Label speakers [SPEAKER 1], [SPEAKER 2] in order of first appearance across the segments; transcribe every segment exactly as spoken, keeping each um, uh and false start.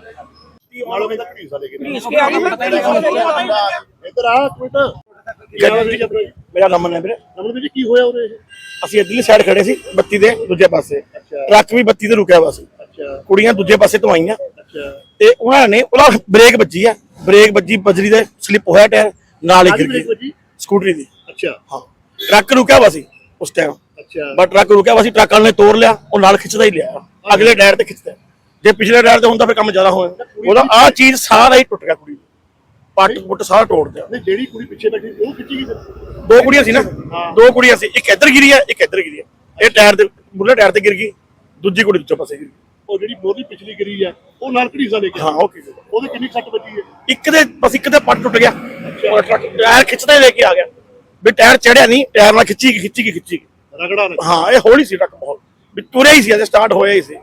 [SPEAKER 1] ਮਾਲੋ ਤੱਕ ਢੀਸਾ ਲੈ ਕੇ
[SPEAKER 2] इसके आगे
[SPEAKER 1] ਇੱਧਰ ਆ ਕੁਇਟ
[SPEAKER 3] ਮੇਰਾ ਨਮਨ ਹੈ ਵੀਰੇ।
[SPEAKER 1] ਨਮਨ ਜੀ ਕੀ ਹੋਇਆ ਉਰੇ?
[SPEAKER 3] ਅਸੀਂ ਇੱਧਰਲੀ ਸਾਈਡ ਖੜੇ ਸੀ ਬੱਤੀ ਦੇ ਦੂਜੇ ਪਾਸੇ, ਟਰੱਕ ਵੀ ਬੱਤੀ ਤੇ ਰੁਕਿਆ ਹੋਇਆ ਸੀ।
[SPEAKER 1] ਅੱਛਾ
[SPEAKER 3] ਕੁੜੀਆਂ ਦੂਜੇ ਪਾਸੇ ਤੋਂ ਆਈਆਂ
[SPEAKER 1] ਅੱਛਾ
[SPEAKER 3] ਤੇ ਉਹਨਾਂ ਨੇ ਉਹਦਾ ਬ੍ਰੇਕ ਵੱਜੀ ਆ, ਬ੍ਰੇਕ ਵੱਜੀ ਬਜਰੀ ਦੇ ਸਲਿੱਪ ਹੋਇਆ ਟਾਇਰ ਨਾਲ ਹੀ ਗਿਰ ਗਈ ਸਕੂਟਰੀ ਦੀ।
[SPEAKER 1] ਅੱਛਾ
[SPEAKER 3] ਹਾਂ ਟਰੱਕ ਰੁਕਿਆ ਹੋਇਆ ਸੀ ਉਸ ਟਾਈਮ,
[SPEAKER 1] ਅੱਛਾ
[SPEAKER 3] ਬਟ ਟਰੱਕ ਰੁਕਿਆ ਹੋਇਆ ਸੀ, ਟਰੱਕ ਵਾਲੇ ਨੇ ਤੋੜ ਲਿਆ, ਉਹ ਨਾਲ ਖਿੱਚਦਾ ਹੀ ਲਿਆ ਅਗਲੇ ਟਾਇਰ ਤੇ ਖਿੱਚਦਾ। ਜੇ ਪਿਛਲੇ ਟਾਇਰ ਤੇ ਹੁੰਦਾ ਫਿਰ ਕੰਮ ਜ਼ਿਆਦਾ ਹੋਇਆ। ਉਹਦਾ ਆਹ ਚੀਜ਼ ਸਾਰਾ ਹੀ ਟੁੱਟ ਗਿਆ, ਕੁੜੀ ਪੱਟ ਪੁੱਟ ਸਾਰਾ ਤੋੜ ਦਿਆ।
[SPEAKER 1] ਨਹੀਂ ਜਿਹੜੀ ਕੁੜੀ ਪਿੱਛੇ ਬੈਠੀ ਉਹ ਖਿੱਚੀ ਗਈ?
[SPEAKER 3] ਦੋ ਕੁੜੀਆਂ ਸੀ ਨਾ, ਦੋ ਕੁੜੀਆਂ ਸੀ, ਇੱਕ ਇੱਧਰ ਗਿਰੀ ਆ ਇੱਕ ਇੱਧਰ ਗਿਰੀ ਆ। ਇਹ ਟਾਇਰ ਦੇ ਬੁੱਲੇ ਟਾਇਰ ਤੇ ਗਿਰ ਗਈ, ਦੂਜੀ ਕੁੜੀ ਦੂਜੇ ਪਾਸੇ ਗਿਰ ਗਈ।
[SPEAKER 1] ਉਹ ਜਿਹੜੀ ਮੋਦੀ ਪਿਛਲੀ ਗਿਰੀ ਆ ਉਹ ਨਾਲ ਢੀਸਾ ਲੈ ਕੇ
[SPEAKER 3] ਹਾਂ ਉਹ
[SPEAKER 1] ਉਹਦੇ ਕਿੰਨੀ ਸੱਟ ਵੱਜੀ ਹੈ?
[SPEAKER 3] ਇੱਕ ਦੇ ਬਸ ਇੱਕ ਦੇ ਪੱਟ ਟੁੱਟ ਗਿਆ, ਟਰੱਕ ਟਾਇਰ ਖਿੱਚਦਾ ਹੀ ਲੈ ਕੇ ਆ ਗਿਆ ਵੀ ਟਾਇਰ ਚੜਿਆ ਨਹੀਂ, ਟਾਇਰ ਨਾਲ ਖਿੱਚੀ ਖਿੱਚੀ ਖਿੱਚੀ
[SPEAKER 1] ਰਗੜਾ
[SPEAKER 3] ਹਾਂ ਇਹ ਹੌਲੀ ਸੀ ਟਰੱਕ ਬਹੁਤ ਵੀ ਤੁਰਿਆ ਹੀ ਸੀ, ਅਜੇ ਸਟਾਰਟ ਹੋਇਆ ਹੀ ਸੀ।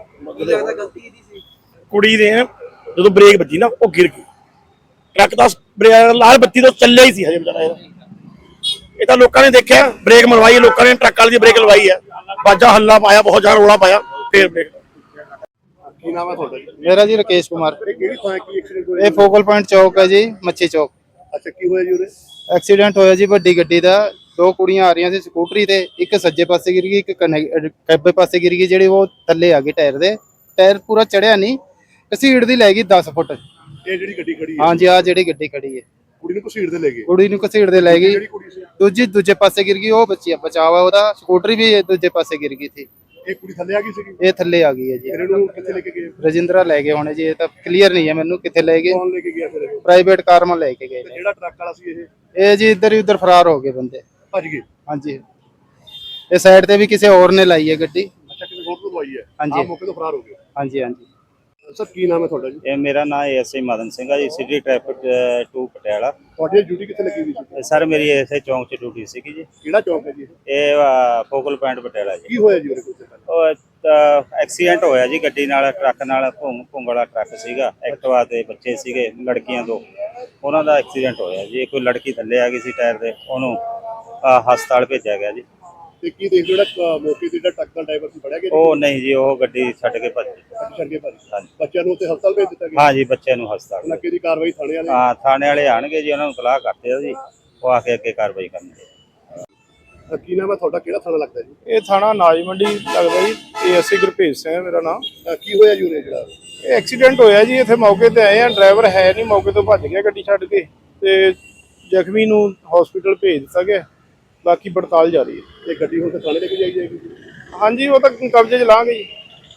[SPEAKER 3] ਕੁੜੀ ਦੇ ਜਦੋਂ ਬ੍ਰੇਕ ਵੱਜੀ ਨਾ ਉਹ ਗਿਰ ਗਈ, ਟਰੱਕ ਦਾ ਲਾਲ ਬੱਤੀ ਤੋਂ ਚੱਲਿਆ ਹੀ ਸੀ ਹਜੇ ਵਿਚਾਰਾ। ਇਹਦਾ ਇਹ ਤਾਂ ਲੋਕਾਂ ਨੇ ਦੇਖਿਆ, ਬ੍ਰੇਕ ਮਰਵਾਈ ਲੋਕਾਂ ਨੇ, ਟਰੱਕ ਵਾਲੀ ਦੀ ਬ੍ਰੇਕ ਲਵਾਈ ਹੈ, ਬਾਜਾ ਹੱਲਾ ਪਾਇਆ, ਬਹੁਤ ਜ਼ਿਆਦਾ ਰੌਲਾ ਪਾਇਆ, ਫੇਰ ਬ੍ਰੇਕ।
[SPEAKER 1] ਕੀ ਨਾਮ ਹੈ ਤੁਹਾਡਾ ਜੀ?
[SPEAKER 4] ਮੇਰਾ ਜੀ ਰਕੇਸ਼ ਕੁਮਾਰ।
[SPEAKER 1] ਇਹ ਕਿਹੜੀ ਥਾਂ ਕੀ ਐਕਸੀਡੈਂਟ ਹੋਇਆ?
[SPEAKER 4] ਇਹ ਫੋਕਲ ਪੁਆਇੰਟ ਚੌਕ ਹੈ ਜੀ, ਮੱਛੀ ਚੌਕ।
[SPEAKER 1] ਅੱਛਾ ਕੀ ਹੋਇਆ ਜੀ ਉਰੇ?
[SPEAKER 4] ਐਕਸੀਡੈਂਟ ਹੋਇਆ ਜੀ ਵੱਡੀ ਗੱਡੀ ਦਾ, ਦੋ ਕੁੜੀਆਂ ਆ ਰਹੀਆਂ ਸੀ ਸਕੂਟਰੀ ਤੇ, ਇੱਕ ਸੱਜੇ ਪਾਸੇ ਗਿਰ ਗਈ, ਇੱਕ ਖੱਬੇ ਪਾਸੇ ਗਿਰ ਗਈ। ਜਿਹੜੀ ਉਹ ਥੱਲੇ ਆ ਗਈ ਟਾਇਰ ਦੇ, ਟਾਇਰ ਪੂਰਾ ਚੜਿਆ ਨਹੀਂ, ਘਸੀੜ ਦੀ ਲੈ ਗਈ ਦਸ ਫੁੱਟ।
[SPEAKER 1] ਇਹ ਜਿਹੜੀ ਗੱਡੀ ਖੜੀ ਹੈ?
[SPEAKER 4] ਹਾਂਜੀ ਆ ਜਿਹੜੀ ਗੱਡੀ ਖੜੀ ਹੈ।
[SPEAKER 1] ਕੁੜੀ ਨੂੰ ਘਸੀੜ ਦੇ ਲੈ ਗਏ?
[SPEAKER 4] ਕੁੜੀ ਨੂੰ ਘਸੀੜ ਦੇ ਲੈ ਗਈ,
[SPEAKER 1] ਜਿਹੜੀ ਕੁੜੀ ਸੀ
[SPEAKER 4] ਦੂਜੀ ਦੂਜੇ ਪਾਸੇ ਗਿਰ ਗਈ, ਉਹ ਬੱਚੀ ਬਚਾਵਾ ਉਹਦਾ, ਸਕੂਟਰੀ ਵੀ ਦੂਜੇ ਪਾਸੇ ਗਿਰ ਗਈ ਸੀ।
[SPEAKER 1] ਇਹ ਕੁੜੀ ਥੱਲੇ ਆ ਗਈ ਸੀਗੀ?
[SPEAKER 4] ਇਹ ਥੱਲੇ ਆ ਗਈ ਹੈ ਜੀ।
[SPEAKER 1] ਫਿਰ ਇਹਨੂੰ ਕਿੱਥੇ ਲੈ ਕੇ ਗਏ?
[SPEAKER 4] ਰਜਿੰਦਰਾ ਲੈ ਗਏ ਹੋਣੇ ਜੀ, ਇਹ ਤਾਂ ਕਲੀਅਰ ਨਹੀਂ ਹੈ ਮੈਨੂੰ ਕਿੱਥੇ ਲੈ ਗਏ।
[SPEAKER 1] ਕੌਣ ਲੈ ਕੇ ਗਿਆ ਫਿਰ ਇਹ?
[SPEAKER 4] ਪ੍ਰਾਈਵੇਟ ਕਾਰ ਮਾ ਲੈ ਕੇ ਗਏ ਨੇ।
[SPEAKER 1] ਜਿਹੜਾ ਟਰੱਕ ਵਾਲਾ ਸੀ ਇਹ?
[SPEAKER 4] ਇਹ ਜੀ ਇੱਧਰ ਹੀ ਉੱਧਰ ਫਰਾਰ ਹੋ ਗਏ ਬੰਦੇ,
[SPEAKER 1] ਭੱਜ ਗਏ?
[SPEAKER 4] ਹਾਂਜੀ ਇਹ ਸਾਈਡ ਤੇ ਵੀ ਕਿਸੇ ਹੋਰ ਨੇ ਲਾਈ ਹੈ ਗੱਡੀ।
[SPEAKER 1] ਅੱਛਾ ਕਿਸੇ ਹੋਰ ਤੋਂ ਲਵਾਈ ਹੈ?
[SPEAKER 4] ਹਾਂਜੀ।
[SPEAKER 1] ਆਹ ਮੌਕੇ ਤੋਂ ਫਰਾਰ ਹੋ ਗਏ?
[SPEAKER 4] ਹਾਂਜੀ ਹਾਂਜੀ।
[SPEAKER 1] ਸਰ ਕੀ ਨਾਮ ਹੈ ਤੁਹਾਡਾ ਜੀ?
[SPEAKER 5] ਇਹ ਮੇਰਾ ਨਾਮ ਐਸਆਈ ਮਦਨ ਸਿੰਘ ਆ ਜੀ, ਸਿਟੀ ਟ੍ਰੈਫਿਕ ਟੂ ਪਟਿਆਲਾ।
[SPEAKER 1] ਤੁਹਾਡੀ ਡਿਊਟੀ ਕਿੱਥੇ ਲੱਗੀ ਹੋਈ ਸੀ?
[SPEAKER 5] ਸਰ ਮੇਰੀ ਐਸਆਈ ਚੌਂਕ 'ਚ ਡਿਊਟੀ ਸੀਗੀ ਜੀ।
[SPEAKER 1] ਕਿਹੜਾ ਚੌਂਕ ਹੈ ਜੀ?
[SPEAKER 5] ਇਹ ਅ, ਫੋਕਲ ਪੁਆਇੰਟ ਪਟਿਆਲਾ ਜੀ।
[SPEAKER 1] ਕੀ ਹੋਇਆ ਜੀ ਉਰੇ? ਕੁਝ
[SPEAKER 5] ਉਹ ਅ, ਐਕਸੀਡੈਂਟ ਹੋਇਆ ਜੀ ਗੱਡੀ ਨਾਲ, ਟਰੱਕ ਨਾਲ। ਭੁੰਗ ਭੁੰਗ ਵਾਲਾ ਟਰੱਕ ਸੀਗਾ, ਐਕਟਿਵਾ ਤੇ ਬੱਚੇ ਸੀਗੇ ਲੜਕੀਆਂ ਦੋ, ਉਹਨਾਂ ਦਾ ਐਕਸੀਡੈਂਟ ਹੋਇਆ ਜੀ। ਕੋਈ ਲੜਕੀ ਥੱਲੇ ਆ ਗਈ ਸੀ ਟਾਇਰ ਦੇ, ਉਹਨੂੰ ਅ, ਹਸਪਤਾਲ ਭੇਜਿਆ ਗਿਆ ਜੀ।
[SPEAKER 1] ਤੇ ਕੀ ਦੇਖ ਜਿਹੜਾ ਮੌਕੇ ਤੇ ਜਿਹੜਾ ਟਰੱਕ ਦਾ ਡਰਾਈਵਰ ਸੀ ਫੜਿਆ ਗਿਆ?
[SPEAKER 5] ਉਹ ਨਹੀਂ ਜੀ, ਉਹ ਗੱਡੀ ਛੱਡ ਕੇ ਭੱਜ ਗਈ।
[SPEAKER 1] ਛੱਡ ਕੇ ਭੱਜ
[SPEAKER 5] ਹਾਂਜੀ।
[SPEAKER 1] ਬੱਚਿਆਂ ਨੂੰ ਉੱਥੇ ਹਸਪਤਾਲ ਭੇਜ ਦਿੱਤਾ ਗਿਆ?
[SPEAKER 5] ਹਾਂ ਜੀ, ਬੱਚਿਆਂ ਨੂੰ ਹਸਪਤਾਲ।
[SPEAKER 1] ਇਲਾਕੇ ਦੀ ਕਾਰਵਾਈ ਥਾਣੇ ਵਾਲੇ?
[SPEAKER 5] ਹਾਂ ਥਾਣੇ ਵਾਲੇ ਆਣਗੇ ਜੀ, ਉਹਨਾਂ ਨੂੰ ਸਲਾਹ ਕਰਦੇ ਆ ਜੀ, ਉਹ ਆ ਕੇ ਅੱਗੇ ਕਾਰਵਾਈ ਕਰਨਗੇ।
[SPEAKER 1] ਕੀ ਨਾਮ ਹੈ ਤੁਹਾਡਾ? ਕਿਹੜਾ ਥਾਣਾ ਲੱਗਦਾ ਜੀ?
[SPEAKER 6] ਇਹ ਥਾਣਾ ਨਾਜ ਮੰਡੀ ਲੱਗਦਾ ਜੀ। ਇਹ ਅਸੀਂ ਗੁਰਭੇਜ ਸਿੰਘ ਹੈ ਮੇਰਾ ਨਾਮ।
[SPEAKER 1] ਕੀ ਹੋਇਆ ਜੀ ਉਰੇ ਜਿਹੜਾ?
[SPEAKER 6] ਇਹ ਐਕਸੀਡੈਂਟ ਹੋਇਆ ਜੀ, ਇੱਥੇ ਮੌਕੇ ਤੇ ਆਏ ਆ, ਡਰਾਈਵਰ ਹੈ ਨਹੀਂ, ਮੌਕੇ ਤੋਂ ਭੱਜ ਗਿਆ ਗੱਡੀ ਛੱਡ ਕੇ, ਤੇ ਜ਼ਖਮੀ ਨੂੰ ਹਸਪੀਟਲ ਭੇਜ ਦਿੱਤਾ ਗਿਆ, ਬਾਕੀ ਪੜਤਾਲ ਜਾਰੀ ਹੈ।
[SPEAKER 1] ਇਹ ਗੱਡੀ ਹੁਣ ਤੇ ਥਾਣੇ ਲੈ ਕੇ ਜਾਈ ਜਾਏਗੀ?
[SPEAKER 6] ਹਾਂਜੀ ਉਹ ਤਾਂ ਕਬਜ਼ੇ 'ਚ ਲਾਂਗੇ ਜੀ।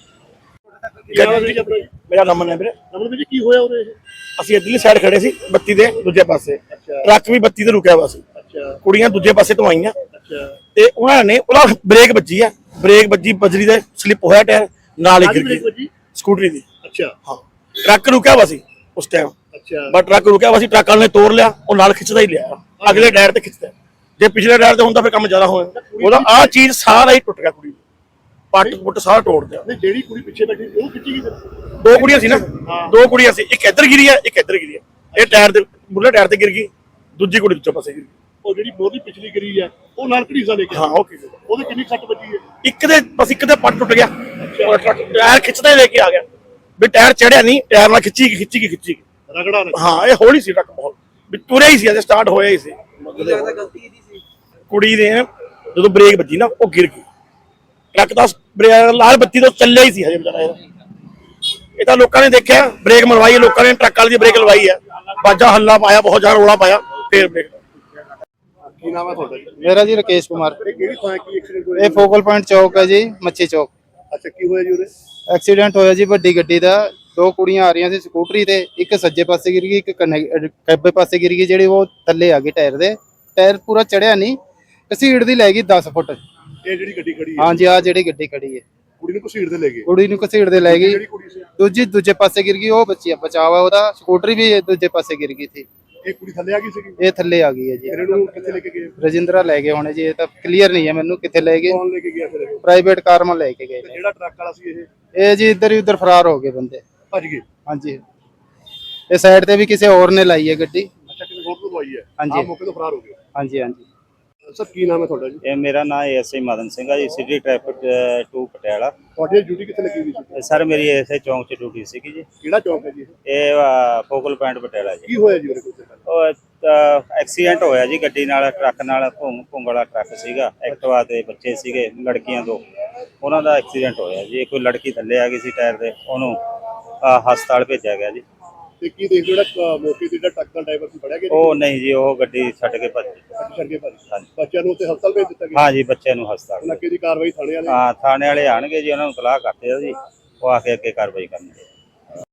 [SPEAKER 3] ਮੇਰਾ ਨਮਨ ਹੈ ਵੀਰੇ।
[SPEAKER 1] ਨਮਨ ਜੀ ਕੀ ਹੋਇਆ ਉਰੇ?
[SPEAKER 3] ਅਸੀਂ ਇੱਧਰਲੀ ਸਾਈਡ ਖੜੇ ਸੀ ਬੱਤੀ ਦੇ ਦੂਜੇ ਪਾਸੇ, ਟਰੱਕ ਵੀ ਬੱਤੀ ਤੇ ਰੁਕਿਆ ਹੋਇਆ ਸੀ।
[SPEAKER 1] ਅੱਛਾ
[SPEAKER 3] ਕੁੜੀਆਂ ਦੂਜੇ ਪਾਸੇ ਤੋਂ ਆਈਆਂ
[SPEAKER 1] ਅੱਛਾ
[SPEAKER 3] ਤੇ ਉਹਨਾਂ ਨੇ ਉਹਦਾ ਬ੍ਰੇਕ ਵੱਜੀ ਆ, ਬ੍ਰੇਕ ਵੱਜੀ ਬਜਰੀ ਦੇ ਸਲਿੱਪ ਹੋਇਆ ਟਾਇਰ, ਨਾਲ ਹੀ ਗਿਰ ਗਈ ਸਕੂਟਰੀ ਦੀ।
[SPEAKER 1] ਅੱਛਾ
[SPEAKER 3] ਹਾਂ ਟਰੱਕ ਰੁਕਿਆ ਹੋਇਆ ਸੀ ਉਸ ਟਾਈਮ,
[SPEAKER 1] ਅੱਛਾ
[SPEAKER 3] ਬਟ ਟਰੱਕ ਰੁਕਿਆ ਹੋਇਆ ਸੀ, ਟਰੱਕ ਵਾਲੇ ਨੇ ਤੋੜ ਲਿਆ, ਉਹ ਨਾਲ ਖਿੱਚਦਾ ਹੀ ਲਿਆ ਅਗਲੇ ਟਾਇਰ ਤੇ ਖਿੱਚਦਾ। ਜੇ ਪਿਛਲੇ ਟਾਇਰ ਤੇ ਹੁੰਦਾ ਫਿਰ ਕੰਮ ਜ਼ਿਆਦਾ ਹੋਇਆ। ਉਹਦਾ ਆਹ ਚੀਜ਼ ਸਾਰਾ ਹੀ ਟੁੱਟ ਗਿਆ, ਕੁੜੀ ਪੱਟ ਪੁੱਟ ਸਾਰਾ ਤੋੜ ਦਿਆ।
[SPEAKER 1] ਨਹੀਂ ਜਿਹੜੀ ਕੁੜੀ ਪਿੱਛੇ ਬੈਠੀ ਉਹ ਖਿੱਚੀ ਗਈ?
[SPEAKER 3] ਦੋ ਕੁੜੀਆਂ ਸੀ ਨਾ, ਦੋ ਕੁੜੀਆਂ ਸੀ, ਇੱਕ ਇੱਧਰ ਗਿਰੀ ਆ ਇੱਕ ਇੱਧਰ ਗਿਰੀ ਆ। ਇਹ ਟਾਇਰ ਦੇ ਬੁੱਲੇ ਟਾਇਰ ਤੇ ਗਿਰ ਗਈ, ਦੂਜੀ ਕੁੜੀ ਦੂਜੇ ਪਾਸੇ ਗਿਰ ਗਈ।
[SPEAKER 1] ਉਹ ਜਿਹੜੀ ਮੋਦੀ ਪਿਛਲੀ ਗਿਰੀ ਆ ਉਹ ਨਾਲ ਢੀਸਾ ਲੈ ਕੇ?
[SPEAKER 3] ਹਾਂ ਉਹ
[SPEAKER 1] ਉਹਦੇ ਕਿੰਨੀ ਸੱਟ ਵੱਜੀ ਹੈ?
[SPEAKER 3] ਇੱਕ ਦੇ ਬਸ ਇੱਕ ਦੇ ਪੱਟ ਟੁੱਟ ਗਿਆ, ਟਰੱਕ ਟਾਇਰ ਖਿੱਚਦਾ ਹੀ ਲੈ ਕੇ ਆ ਗਿਆ ਵੀ ਟਾਇਰ ਚੜਿਆ ਨਹੀਂ, ਟਾਇਰ ਨਾਲ ਖਿੱਚੀ ਖਿੱਚੀ ਖਿੱਚੀ
[SPEAKER 1] ਰਗੜਾ
[SPEAKER 3] ਹਾਂ ਇਹ ਹੌਲੀ ਸੀ ਟਰੱਕ ਬਹੁਤ ਵੀ ਤੁਰਿਆ ਹੀ ਸੀ, ਅਜੇ ਸਟਾਰਟ ਹੋਇਆ ਹੀ ਸੀ। ਕੁੜੀ ਦੇ ਜਦੋਂ ਬ੍ਰੇਕ ਵੱਜੀ ਨਾ ਉਹ ਗਿਰ ਗਈ, ਟਰੱਕ ਦਾ ਲਾਲ ਬੱਤੀ ਤੋਂ ਚੱਲਿਆ ਹੀ ਸੀ ਹਜੇ ਵਿਚਾਰਾ। ਇਹਦਾ ਇਹ ਤਾਂ ਲੋਕਾਂ ਨੇ ਦੇਖਿਆ, ਬ੍ਰੇਕ ਮਰਵਾਈ ਲੋਕਾਂ ਨੇ, ਟਰੱਕ ਵਾਲੀ ਦੀ ਬ੍ਰੇਕ ਲਵਾਈ ਹੈ, ਬਾਜਾ ਹੱਲਾ ਪਾਇਆ, ਬਹੁਤ ਜ਼ਿਆਦਾ ਰੌਲਾ ਪਾਇਆ, ਫੇਰ ਬ੍ਰੇਕ।
[SPEAKER 1] ਕੀ ਨਾਮ ਹੈ ਤੁਹਾਡਾ ਜੀ?
[SPEAKER 4] ਮੇਰਾ ਜੀ ਰਕੇਸ਼ ਕੁਮਾਰ।
[SPEAKER 1] ਇਹ ਕਿਹੜੀ ਥਾਂ ਕੀ ਐਕਸੀਡੈਂਟ ਹੋਇਆ?
[SPEAKER 4] ਇਹ ਫੋਕਲ ਪੁਆਇੰਟ ਚੌਕ ਹੈ ਜੀ, ਮੱਛੀ ਚੌਕ।
[SPEAKER 1] ਅੱਛਾ ਕੀ ਹੋਇਆ ਜੀ ਉਰੇ?
[SPEAKER 4] ਐਕਸੀਡੈਂਟ ਹੋਇਆ ਜੀ ਵੱਡੀ ਗੱਡੀ ਦਾ, ਦੋ ਕੁੜੀਆਂ ਆ ਰਹੀਆਂ ਸੀ ਸਕੂਟਰੀ ਤੇ, ਇੱਕ ਸੱਜੇ ਪਾਸੇ ਗਿਰ ਗਈ, ਇੱਕ ਖੱਬੇ ਪਾਸੇ ਗਿਰ ਗਈ। ਜਿਹੜੀ ਉਹ ਥੱਲੇ ਆ ਗਈ ਟਾਇਰ ਦੇ, ਟਾਇਰ ਪੂਰਾ ਚੜਿਆ ਨਹੀਂ, ਘਸੀੜ ਦੀ ਲੈ ਗਈ ਦਸ ਫੁੱਟ।
[SPEAKER 1] ਇਹ ਜਿਹੜੀ ਗੱਡੀ ਖੜੀ ਹੈ?
[SPEAKER 4] ਹਾਂਜੀ ਆ ਜਿਹੜੀ ਗੱਡੀ ਖੜੀ ਹੈ।
[SPEAKER 1] ਕੁੜੀ ਨੂੰ ਘਸੀੜ ਦੇ ਲੈ ਗਏ?
[SPEAKER 4] ਕੁੜੀ ਨੂੰ ਘਸੀੜ ਦੇ ਲੈ ਗਈ,
[SPEAKER 1] ਜਿਹੜੀ ਕੁੜੀ ਸੀ
[SPEAKER 4] ਦੂਜੀ ਦੂਜੇ ਪਾਸੇ ਗਿਰ ਗਈ, ਉਹ ਬੱਚੀ ਬਚਾਵਾ ਉਹਦਾ, ਸਕੂਟਰੀ ਵੀ ਦੂਜੇ ਪਾਸੇ ਗਿਰ ਗਈ ਸੀ।
[SPEAKER 1] ਇਹ ਕੁੜੀ ਥੱਲੇ ਆ ਗਈ ਸੀਗੀ?
[SPEAKER 4] ਇਹ ਥੱਲੇ ਆ ਗਈ ਹੈ ਜੀ।
[SPEAKER 1] ਫਿਰ ਇਹਨੂੰ ਕਿੱਥੇ ਲੈ ਕੇ ਗਏ?
[SPEAKER 4] ਰਜਿੰਦਰਾ ਲੈ ਗਏ ਹੋਣੇ ਜੀ, ਇਹ ਤਾਂ ਕਲੀਅਰ ਨਹੀਂ ਹੈ ਮੈਨੂੰ ਕਿੱਥੇ ਲੈ ਗਏ।
[SPEAKER 1] ਕੌਣ ਲੈ ਕੇ ਗਿਆ ਫਿਰ ਇਹ?
[SPEAKER 4] ਪ੍ਰਾਈਵੇਟ ਕਾਰ ਮਾ ਲੈ ਕੇ ਗਏ ਨੇ।
[SPEAKER 1] ਜਿਹੜਾ ਟਰੱਕ ਵਾਲਾ ਸੀ ਇਹ?
[SPEAKER 4] ਇਹ ਜੀ ਇੱਧਰ ਹੀ ਉੱਧਰ ਫਰਾਰ ਹੋ ਗਏ ਬੰਦੇ,
[SPEAKER 1] ਭੱਜ ਗਏ?
[SPEAKER 4] ਹਾਂਜੀ ਇਹ ਸਾਈਡ ਤੇ ਵੀ ਕਿਸੇ ਹੋਰ ਨੇ ਲਾਈ ਹੈ ਗੱਡੀ।
[SPEAKER 1] ਅੱਛਾ ਕਿਸੇ ਹੋਰ ਤੋਂ ਲਵਾਈ ਹੈ?
[SPEAKER 4] ਹਾਂਜੀ।
[SPEAKER 1] ਆਹ ਮੌਕੇ ਤੋਂ ਫਰਾਰ ਹੋ ਗਏ?
[SPEAKER 4] ਹਾਂਜੀ ਹਾਂਜੀ।
[SPEAKER 1] ਸਰ ਕੀ ਨਾਮ ਹੈ ਤੁਹਾਡਾ ਜੀ?
[SPEAKER 5] ਇਹ ਮੇਰਾ ਨਾਮ ਐਸਆਈ ਮਦਨ ਸਿੰਘ ਆ ਜੀ, ਸਿਟੀ ਟ੍ਰੈਫਿਕ ਟੂ ਪਟਿਆਲਾ।
[SPEAKER 1] ਤੁਹਾਡੀ ਡਿਊਟੀ ਕਿੱਥੇ ਲੱਗੀ ਹੋਈ ਸੀ?
[SPEAKER 5] ਸਰ ਮੇਰੀ ਐਸਆਈ ਚੌਂਕ 'ਚ ਡਿਊਟੀ ਸੀਗੀ ਜੀ।
[SPEAKER 1] ਕਿਹੜਾ ਚੌਂਕ ਹੈ ਜੀ ਇਹ?
[SPEAKER 5] ਇਹ ਅ, ਫੋਕਲ ਪੁਆਇੰਟ ਪਟਿਆਲਾ ਜੀ।
[SPEAKER 1] ਕੀ ਹੋਇਆ ਜੀ ਉਹਦੇ ਕੋਲ?
[SPEAKER 5] ਉਹ ਅ, ਐਕਸੀਡੈਂਟ ਹੋਇਆ ਜੀ ਗੱਡੀ ਨਾਲ, ਟਰੱਕ ਨਾਲ। ਭੁੰਗ ਭੁੰਗ ਵਾਲਾ ਟਰੱਕ ਸੀਗਾ, ਐਕਟਿਵਾ ਤੇ ਬੱਚੇ ਸੀਗੇ ਲੜਕੀਆਂ ਦੋ, ਉਹਨਾਂ ਦਾ ਐਕਸੀਡੈਂਟ ਹੋਇਆ ਜੀ। ਕੋਈ ਲੜਕੀ ਥੱਲੇ ਆ ਗਈ ਸੀ ਟਾਇਰ ਦੇ, ਉਹਨੂੰ ਅ, ਹਸਪਤਾਲ ਭੇਜਿਆ ਗਿਆ ਜੀ।
[SPEAKER 1] ਤੇ ਕੀ ਦੇਖ ਜਿਹੜਾ ਅ, ਮੌਕੇ ਤੇ ਜਿਹੜਾ ਟਰੱਕ ਦਾ ਡਰਾਈਵਰ ਸੀ ਫੜਿਆ ਗਿਆ ਜੀ?
[SPEAKER 5] ਉਹ ਨਹੀਂ ਜੀ, ਉਹ ਗੱਡੀ ਛੱਡ ਕੇ ਭੱਜ ਗਈ।
[SPEAKER 1] ਛੱਡ ਕੇ ਭੱਜ
[SPEAKER 5] ਹਾਂਜੀ।
[SPEAKER 1] ਬੱਚਿਆਂ ਨੂੰ ਉੱਥੇ ਹਸਪਤਾਲ ਭੇਜ ਦਿੱਤਾ ਗਿਆ?
[SPEAKER 5] ਹਾਂ ਜੀ, ਬੱਚਿਆਂ ਨੂੰ ਹਸਪਤਾਲ।
[SPEAKER 1] ਉਹਨਾਂ ਦੀ ਕਾਰਵਾਈ ਥਾਣੇ ਵਾਲੇ?
[SPEAKER 5] ਹਾਂ, ਥਾਣੇ ਵਾਲੇ ਆਣਗੇ ਜੀ, ਉਹਨਾਂ ਨੂੰ ਤਲਾਹ ਕਰਦੇ ਆ ਜੀ, ਉਹ ਆ ਕੇ ਅੱਗੇ ਕਾਰਵਾਈ ਕਰਨਗੇ।